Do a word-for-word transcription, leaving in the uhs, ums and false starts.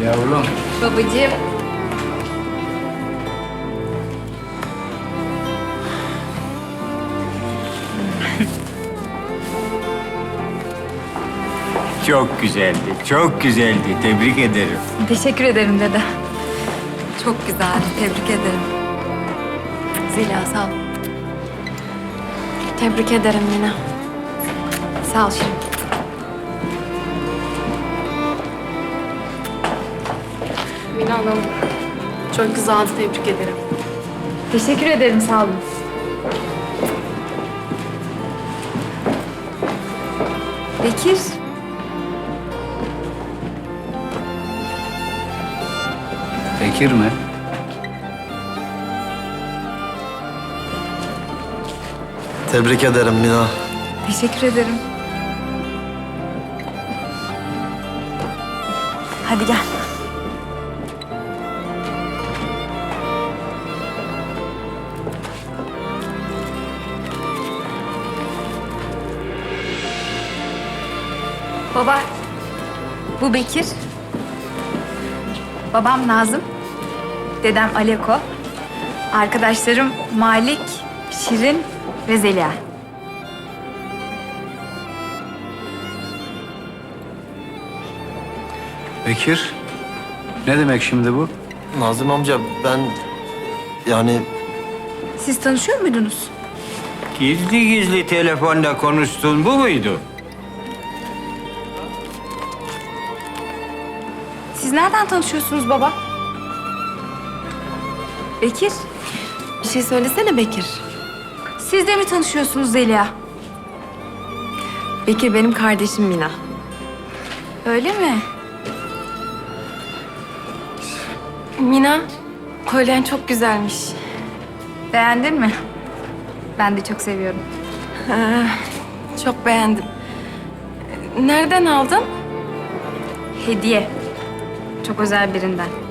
Yavrum. Babacığım. Çok güzeldi, çok güzeldi. Tebrik ederim. Teşekkür ederim dede. Çok güzeldi. Tebrik ederim. Zeliha sağ ol. Tebrik ederim Mina. Sağ ol Şirin. Mina Hanım, çok güzeldi. Tebrik ederim. Teşekkür ederim. Sağ olun. Bekir. Bekir mi? Tebrik ederim Mina. Teşekkür ederim. Hadi gel. Baba, bu Bekir. Babam Nazım. Dedem Aleko. Arkadaşlarım Malik, Şirin ve Zeliha. Bekir. Ne demek şimdi bu? Nazım amca ben yani Siz tanışıyor muydunuz? Gizli gizli telefonda konuştun, bu muydu? Siz nereden tanışıyorsunuz baba? Bekir, Bir şey söylesene Bekir. siz de mi tanışıyorsunuz Zeliha? Bekir benim kardeşim Mina. Öyle mi? Mina, kolyen çok güzelmiş. Beğendin mi? Ben de çok seviyorum. Ha, çok beğendim. Nereden aldın? Hediye. Çok özel birinden.